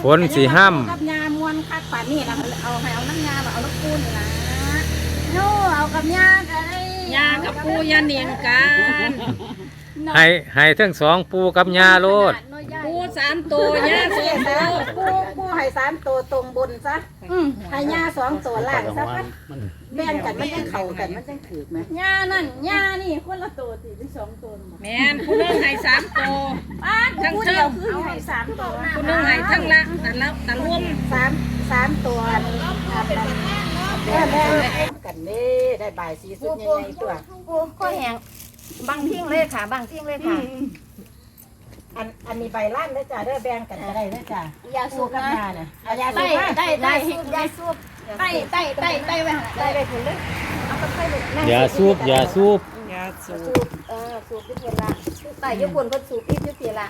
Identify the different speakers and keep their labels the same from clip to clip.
Speaker 1: ฝนสิห้ำ
Speaker 2: กับยามวนคักป่านนี้นะเอาให้เอาน้ำยาเอาน้ำปูนนี่นะโน่เอากับยากันเลยยากับปูยาเนียงกัน
Speaker 1: ให้ทั้งสองปูกับยาโลด
Speaker 2: ปู3 ตัวยา2 ตัวปูให้3 ตัวตรงบนซะให้ยา2 ตัวล่างซะแบ่งกันมันยังเข่ากันมันยังถือไหมยานั่นยานี่คนละตัวสิเป็น2 ตัวแม่นผู้นึงให้3 ตัวทั้งเดียวคือให้3 ตัวผู้นึงให้ทั้งละแต่รวม3 ตัวแม่กันนี่ได้บ่ายสีสุดใหญ่ๆตัวปูข้อแห้งบางทิ้งเลยค่ะบางทิ้งเลยค่ะอันนี้ใบล้านเลยจ้ะเด้อแบ่งกันก็ได้เลยจ้ะยาสูบกับยาเนี่ยยาสูบได้ยาสูบไต้ไว้ได้ไปถึงเลยเอาไปใส่เลย
Speaker 1: อย่าสูบ
Speaker 2: สูบที่เพียละไต้ยุคนคนสูบที่เพียละ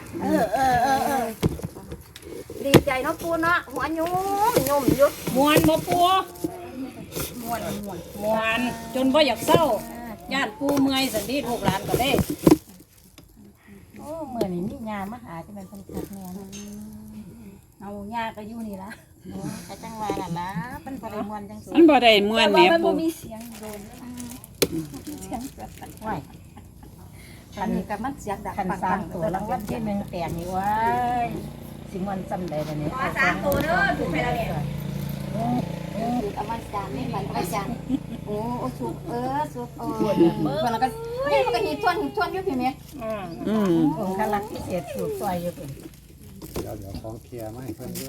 Speaker 2: ดีใจเนาะปูเนาะหัวยุ่มยุด
Speaker 3: มวนบ่ปูมวนจนบ่อยากเศร้าญาติปูเมื่อยสันดีลูกหลานก็ได้
Speaker 2: โอ้เมื่อนี้มีงานมาหาที่มันเป็นคักแน่เอาญาก็อยู่นี่ละกระจังวาล่ะนะเป็นบริมวนจังสิ
Speaker 3: มันบ่ได้มวนแม่ปู
Speaker 2: มีเสียงโดนเสียงไหวคันนี้กับมันเสียงดังปังๆตัวรางวัลที่1แตกนี่ว้ายสิมวนจำได้เลยเนี่ย3 ตัวเด้อถูกไปแล้วเนี่ยเอามาจานนี่มันเอาจานโอ้สุกสุกมันก็นี่มันก็หีทวนอยู่พี่เมย์ผมกำลังพิเศษสูบซอยอยู่เป็น
Speaker 4: เดี๋ยวของเคลียร์มาให้เพื่อนด้วย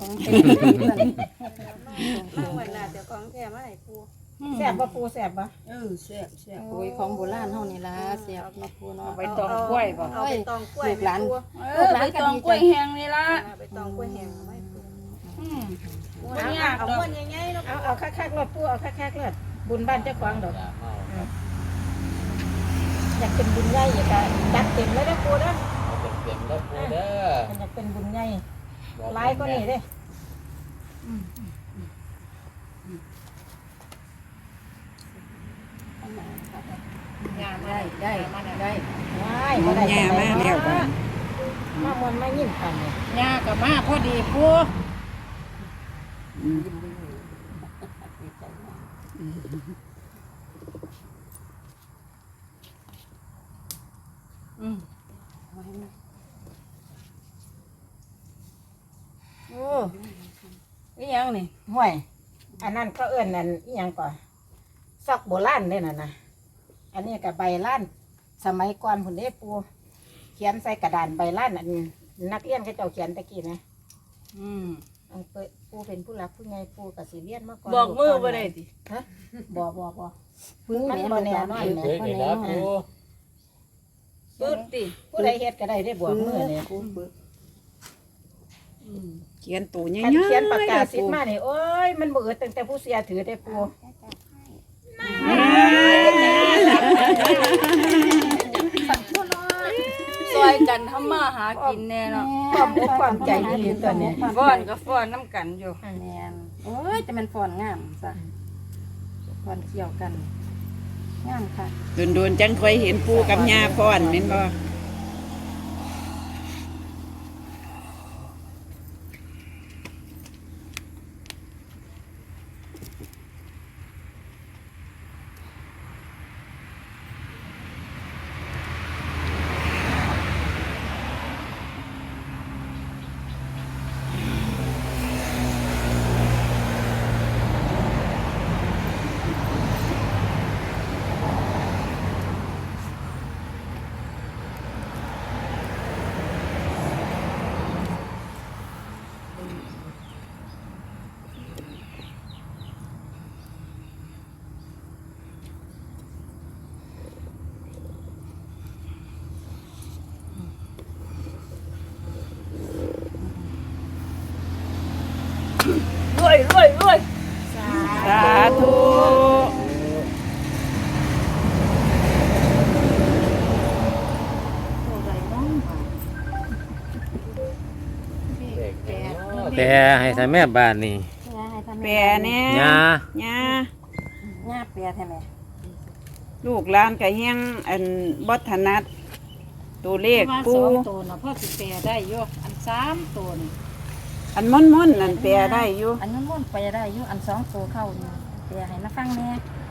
Speaker 2: มั่งวันน่ะเดี๋ยวของแท้มาให้ปูแซ่บป่ะปูแซ่บป่ะ
Speaker 3: แซ่บ
Speaker 2: โอ้ยของโบราณเฮานี่ล่ะแซ่บเนาะปูเนาะ
Speaker 3: ใบตองกล้วยบ่
Speaker 2: เอาใบตองกล้วยลูกหลานใบตองกล้วยแห้งนี่ล่ะใบตองกล้วยแห้งไว้ปูเอาม้วนใหญ่ๆเนาะเอาคักๆรถปูเอาคักๆรถบุญบ้านเจ้าของดอกอยากเป็นบุญใหญ่อยากจัดเต็มเลยเด้อปูเด้อ
Speaker 4: เต็มแล้วปูเด้อ
Speaker 2: อยากเป็นบุญใหญ่หลายก็นี่เด้ได้ว้ายได้
Speaker 3: ยามาแล้วบ่
Speaker 2: มามวนมายิ้มกันเนี่ย
Speaker 3: ยาก็มาพอดีปู
Speaker 2: โอ้ยยังนี่ห่วยอันนั้นก็เอื้อนนั่นยังก่อนซอกโบราณเลยนะอันนี้กับใบล้านสมัยก่อนผมได้ปูเขียนใส่กระดานใบล้านอันนักเรียนเขาเจ้าเขียนตะกี้นะปูเป็นผู้รักผู้ใหญ่ปูกับสีเลียนมาก่อน
Speaker 3: บอกมือบ่ได้ติ
Speaker 2: ฮะบ่พื้นมันบ่แน่นอนเลยบ่แน่นอน
Speaker 3: ปื๊ดติ
Speaker 2: ผู้ใดเฮ็ดก็ได้ได้บอกมือเนี่ย
Speaker 3: เขียนตัวใหญ่
Speaker 2: ๆเขียนปากกาสิมาเนี่ยโอ้ยมันบ่ตั้งแต่ผู้เสียถือได้ปู
Speaker 3: ซอยกันทำมาหากินแน่เนาะ
Speaker 2: ความใจดีตัวนี้
Speaker 3: ฟ้อนก็ฟ้อนน้ำกันอยู่
Speaker 2: แม่นโอ้ยจะเป็นฟ้อนงามซะฟ้อนเกี่ยวกันงามค่ะ
Speaker 3: โดนจังค่อยเห็นปูกับย่าฟ้อนแม่นบ่รวยสาธุ
Speaker 1: แต่ให้ทำแม่บ้านนี่
Speaker 3: แปรเนี่ย
Speaker 1: ยา
Speaker 2: แปรใช่ไหม
Speaker 3: ลูกหลานก็ยังอันบ่ถนัดตัวเลขปู
Speaker 2: ตัวนะพ่อสิแปรได้อยู่อัน3 ตัวนี่อันม่อนนั่นแปลได้อยู่
Speaker 3: อันนั้นม่วนไปได้อยู่อัน2ตัวเข้าอยู่แปลให้มาฟังแน่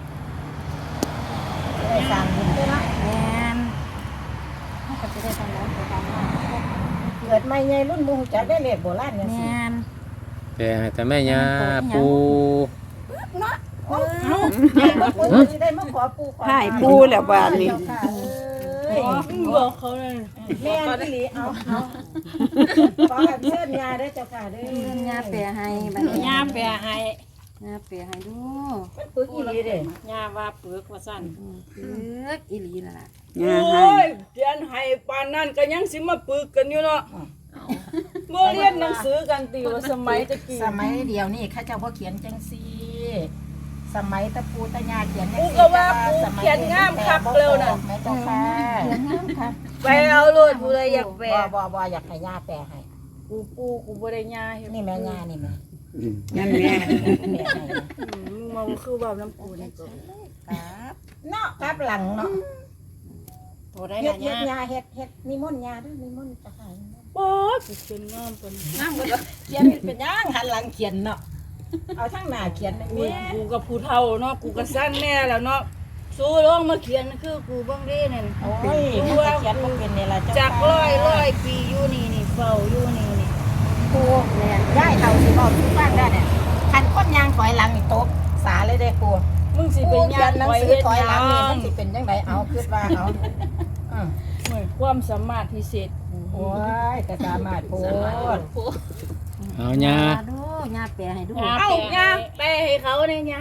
Speaker 2: ได้สร้างบุญด้วยเนาะ
Speaker 3: แม่นเฮาก็สิได้ทำแล้วไปทำมา
Speaker 2: เกิดใหม่ใหญ่รุ่นบ่ฮู้จักได้เลขโบราณจังซี่
Speaker 3: แม่น
Speaker 1: แต่ให้แต่แม่ยาปู
Speaker 2: เอาแม่บ่ปูสิได้มาขอปูขอ
Speaker 5: ให้ปูแล้วบาดนี้
Speaker 2: เอ้ย
Speaker 3: บอกเขาเลย
Speaker 2: แม่นอีหลีเอาขอให้เชิญยาได้อเจ้าค่ะเด้อ
Speaker 3: ย่าแปลให้บัดนี้
Speaker 6: ย่าแปรให้
Speaker 3: ย่าแปลให้ดู
Speaker 2: มันปึกอีหลีเด้
Speaker 6: ย่าว่าเปลือกว่าสั้น
Speaker 3: ปึกอีหลีนั่นล่ะ
Speaker 5: งา
Speaker 6: โอ้
Speaker 5: ให้
Speaker 6: ยเรียนให้ปานนั้นก็ยังสิมาปึกกันอยู่เนาะเมื่อเรียนหนังสือกันติว่าสมัยตะกี้
Speaker 2: สมัยเดียวนี่เขาเจ้าบ่เขียนจังซี่สมัยตะปูตะยาเขียนจัง
Speaker 6: กู
Speaker 2: ซี่
Speaker 6: ก็ว่ากูเขียนงามคักเร็วน่ะ
Speaker 2: แม่เจ้าค่ะ
Speaker 3: เขียนงามค่ะ
Speaker 6: ไปเอาโลดผู้ใดอยากแปร
Speaker 2: บ่อยากให้ย่าแปลให้
Speaker 6: กูปูกูบ่ได้ย่าเฮ็ด
Speaker 2: นี่แม่ย่านี่แม่
Speaker 5: นั่นแม่
Speaker 2: แม่ให้
Speaker 6: มันคือว่าน้ำปูนี่ก็
Speaker 2: ครับเนาะครับหลังเนาะ
Speaker 6: บ่ได้
Speaker 2: เฮ็
Speaker 6: ละ
Speaker 2: ด
Speaker 6: ย่า
Speaker 2: ยาเฮ็ดนิมนต์ยาเด้วยนิมนต์จะให้
Speaker 6: บ่สิเป็นงามปาน
Speaker 2: นั่งบ่ได้เขียนเป็นย่างหันหลังเขียนเนาะเอาทั้งหน้าเขียนได้
Speaker 6: กู
Speaker 2: แม่
Speaker 6: กูกับผู้เฒ่าเนาะกูก็สั้นแน่แล้วเนาะสู้ลงมาเขียนคือกูเบิ่งเด้นั่น
Speaker 2: โอ้ยมันจะเขียนบ่เป็นนี่ล่ะเจ้า
Speaker 6: จากร้อยปีอยู่นี่เฝ้าอยู่นี่
Speaker 2: ครูแม่ย้ายเฒ่าสิบอกสิฟังได้เนี่ยคันคนยางถอยหลังนี่ตกสาเลยเด้ครู
Speaker 6: มึงสิ
Speaker 2: ค
Speaker 6: เป็
Speaker 2: รู
Speaker 6: น
Speaker 2: เขี
Speaker 6: ยาย
Speaker 2: น
Speaker 6: น
Speaker 2: หนัง
Speaker 6: ไว้
Speaker 2: สือ
Speaker 6: เฮ็ด
Speaker 2: ถอย
Speaker 6: ห
Speaker 2: หลั
Speaker 6: ยัง
Speaker 2: นี่มันสิเป็นจังไดเอาคิดว่าเอาอือ
Speaker 6: ความสามารถพิเศษ
Speaker 2: โอ้ยแต่สามารถโพด
Speaker 1: เอายา
Speaker 3: ดูย่าแปลให้ดู
Speaker 6: เอ้าย่าแปลให้เขาเนี่ยย่า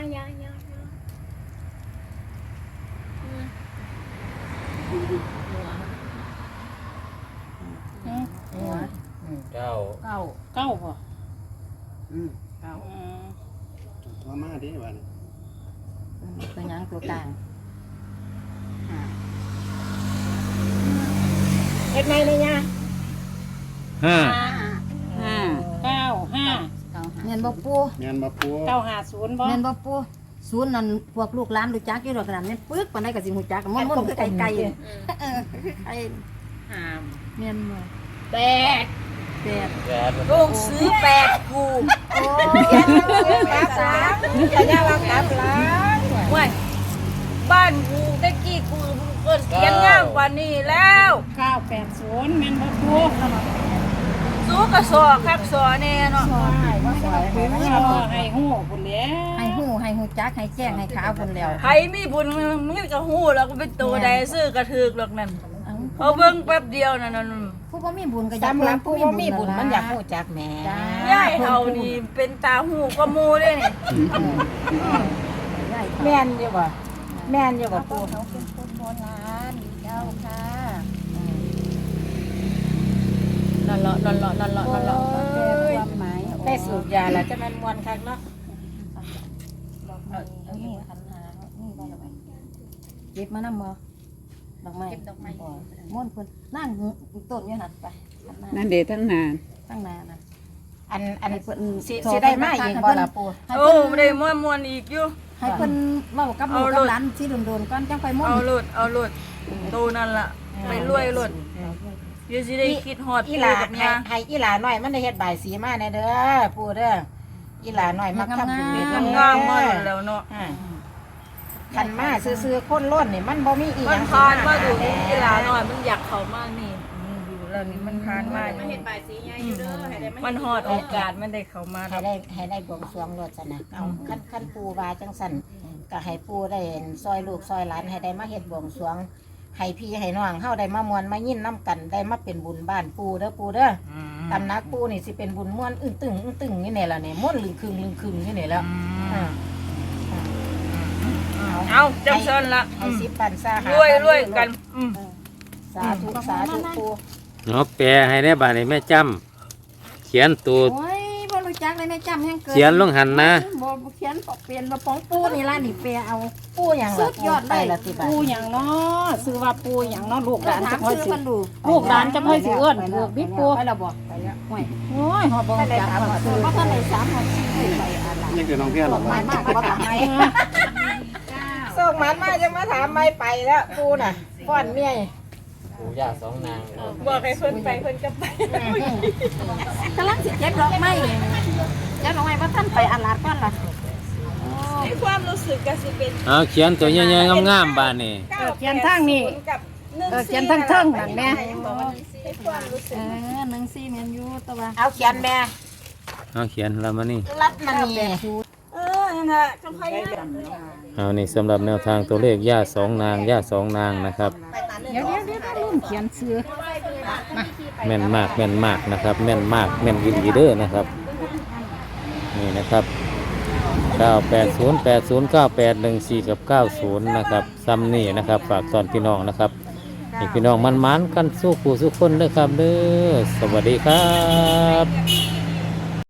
Speaker 4: เจ้า
Speaker 2: เก้า
Speaker 6: เก้าบ่
Speaker 2: เก้า
Speaker 4: มามาดิวัน
Speaker 3: ตัวหยังตัวกลาง
Speaker 2: เฮ็ดไหมเนี่ยยา
Speaker 1: ห้า
Speaker 6: เก้าห้า
Speaker 3: แม่นบ่ปู
Speaker 4: เมียนมาปู
Speaker 6: 950บ่
Speaker 3: แม่นบ่ปูศูนย์นั่นพวกลูกหลานรู้จักอยู่ดอกขนาดแม่นปึกปานใดก็สิฮู้จักมันคือไก่เออไอ้แม่นบ่
Speaker 6: แปด
Speaker 3: แปด
Speaker 4: แกน
Speaker 6: ลูกซื้อแปดกู
Speaker 2: โอ้ยเขียนหนังสือครับสามจะยาว่าครับหลัง
Speaker 6: เว้ยบ้านกูตะกี้กูเกิดเขียนงามกว่านี้แล้ว980แม่นบ่กูสู้กระสอคักสอแน่เนาะ
Speaker 2: ใช่ว่าสวยไหมว่าสวย
Speaker 6: ให้ฮู้พุ่นแล้ว
Speaker 3: ให้ฮู้จักให้แจ้งให้ขาวพุ่นแล้ว
Speaker 6: ใครมีบุญมึงก็ฮู้แล้วก็เป็นตัวใดซื้อกระถึกหรอกนั่น
Speaker 3: เอ้า
Speaker 6: เอาเบิ่งแป๊บเดียวนั่น
Speaker 3: ผู้บ่มีบุญก็อยาก
Speaker 2: สำหรับผู้บ่มีบุญมันอยาก
Speaker 3: ฮู้
Speaker 2: รู้จักแหม่
Speaker 6: ยายเฮานี่เป็นตาหูก็มูเด้นี่
Speaker 2: แม่นอยู่บ่แม่นอยู่บ่ปู่
Speaker 3: เขาเป็นคนโบราณเจ้าค่ะ
Speaker 6: นั่นเลาะนั่นเลาะนั่นเลาะนั่นเลาะ
Speaker 3: ความหมาย
Speaker 2: ได้สูบยาแล้วจะแม่นม่วนคักเนาะ
Speaker 3: เอานี่ขันหานี่ได้แล้วไหมเก็บมานำบ่ดอกไม้เก็บดอกไม้ม่วนเพิ่นนั่งต้นอยู่หั่นไป
Speaker 5: นั่นเดทั้งนาน
Speaker 3: ตั้งนานนะ
Speaker 2: อันสิได้มาอีกบ่ล่ะปู่
Speaker 3: ให้
Speaker 6: โอ้
Speaker 3: เพิ่น
Speaker 6: ได้ม่วนอีกอยู่
Speaker 3: ให้เพิ่นเว้ากับลูกกับหลานที่โดนๆก่อนจังไปม่วน
Speaker 6: เอาโลดโตนั่นล่ะไปรวยโลดเดี๋ยวสิได้คิดฮอด
Speaker 2: อี
Speaker 6: ปู่
Speaker 2: หลา
Speaker 6: กับย่า
Speaker 2: ให้อีหลาน้อยมันได้เฮ็ดบายสีมาแน่เด้อปู่เด้ออีหลาน้อยมักทำบุญเด้อ
Speaker 6: งามมาแล้วเนาะ
Speaker 2: คันมาซื่อๆคนล้นนี่มันบ่มีอีห
Speaker 6: มั
Speaker 2: ยั
Speaker 6: น
Speaker 2: ง
Speaker 6: ผ่านมาดูนี่กีฬาหน่อยมันอยากเข้ามานี่อยู่แล้วนี่มันผ่านมาเห็นใบสีใหญ่อยู่เด้อมันฮอดโอกาสมันได้เข้ามา
Speaker 2: ให้ได้บวงสรวงรถซะนะเอาคันปู่ว่าจังซั่นก็ให้ปู่ได้ซอยลูกซอยหลานให้ได้มาเฮ็ดบวงสรวงให้พี่ให้น้องเฮาได้มามวนมายินน้ำกันได้มาเป็นบุญบ้านปู่เด้อปู่เด้อตำนักปู่นี่สิเป็นบุญม่วนอึ้งตึงนี่แหละนี่ม่วนลึงครึงนี่นี่แล้ว
Speaker 6: เอาจังซั่นละ
Speaker 2: ให้สิบปันซาร
Speaker 6: วยกัน
Speaker 2: สาธุสาธุปู่
Speaker 1: เอาแปลให้ในบ้านนี้แม่จำเขียนตูด
Speaker 3: โอ้ยบ่รู้จักเลยแม่จำแฮงเกิด
Speaker 1: เขียนลงหันนะ
Speaker 3: บ่เขียนปอกเปลี่ยนบ่ของปูนี่ล่ะนี่แปลเอา
Speaker 2: ปู่หยัง
Speaker 3: สุดยอด
Speaker 2: ไป
Speaker 3: เลย
Speaker 2: ละติบา
Speaker 6: ปูหยังเนาะซื้อว่าปูหยังเนาะลูกหลาน
Speaker 3: ถา
Speaker 6: จะ
Speaker 3: ม
Speaker 6: ค่อย
Speaker 3: ชื่อ
Speaker 6: สิ
Speaker 3: เพิ่นดู
Speaker 6: ลูกหลานจะค่อยสิเอื้อนลูกบิ๊กปู
Speaker 3: ไปแล้วบ่ไปแล้วโอ้ย
Speaker 6: โอ้ยฮอดบ่
Speaker 2: ได้
Speaker 6: จัก
Speaker 2: ถาม
Speaker 6: ว่า
Speaker 2: ว่า
Speaker 6: ซื้อ
Speaker 3: บ่ทันได้3 6 4ไปอะไร
Speaker 4: ยังคือน้องเพี้ยนหรอ
Speaker 3: หมายมากบ่ทำให้
Speaker 2: ส่งหมันมาจังมาถามไม่ไปแล้วปู่น่ะฟ้อนเมีย
Speaker 7: ปู่ย่าสองนาง
Speaker 6: บอกให้เพิ่นไปเพิ่นก็ไป
Speaker 3: กำลังสิเก็บดอกไม้เก็บดอกไม้ว่าท่านไปอาลาดก่อนล่ะ
Speaker 6: ในความรู้สึกก็สิเป็น
Speaker 1: เอาเขียนตัวใหญ่ๆงามๆบ้านนี่
Speaker 3: เขียนทางนี้
Speaker 6: กับ
Speaker 3: เขียนทางเทิงนั่นแม่
Speaker 6: ในความรู้สึก
Speaker 3: หนังซี่แม่นอยู่แต่ว่า
Speaker 2: เอาเขียนแม่
Speaker 1: เอาเขียนแล้วมานี่
Speaker 2: รัดมันนี่
Speaker 6: นั่นน่ะจังไผย่า
Speaker 1: เอานี่สำหรับแนวทางตัวเลขย่าสองนางย่าสองนางนะครับ
Speaker 3: เดี๋ยวลืมเขียนชื่อ
Speaker 1: แม่นมากแม่นมากนะครับ แม่นมากแม่นวิลีเดอร์นะครับนี่นะครับ980809814กับ90นะครับซ้ำนี่นะครับฝากตอนพี่น้องนะครับให้พี่น้องมันๆกันสู้ผู้สู้คนเด้อครับเด้อสวัสดีครับ